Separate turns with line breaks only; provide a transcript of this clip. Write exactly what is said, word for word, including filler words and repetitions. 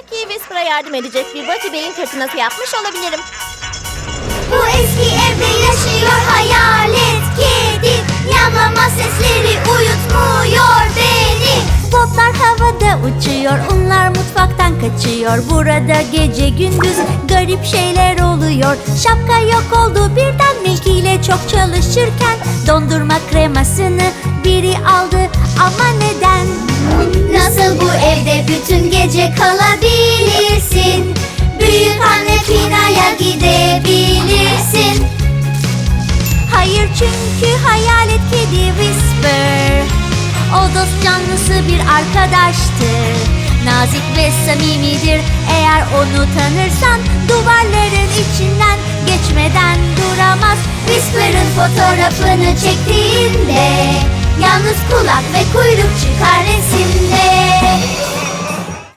Belki Whisper'a yardım edecek bir Buffy beyin fırtınası yapmış olabilirim.
Bu eski evde yaşıyor hayalet kedi. Yamlama sesleri uyutmuyor beni. Botlar havada uçuyor, unlar mutfaktan kaçıyor. Burada gece gündüz garip şeyler oluyor. Şapka yok oldu birden Milky ile çok çalışırken. Dondurma kremasını biri aldı ama neden? Nasıl bu evde bütün gece kalabilirsin? Büyük anne Pina'ya gidebilirsin. Hayır, çünkü hayalet kedi Whisper o dost canlısı bir arkadaştır. Nazik ve samimidir. Eğer onu tanırsan duvarların içinden geçmeden duramaz. Whisper'ın fotoğrafını çektiğinde yalnız kulak ve kuyruk çıkar resimde.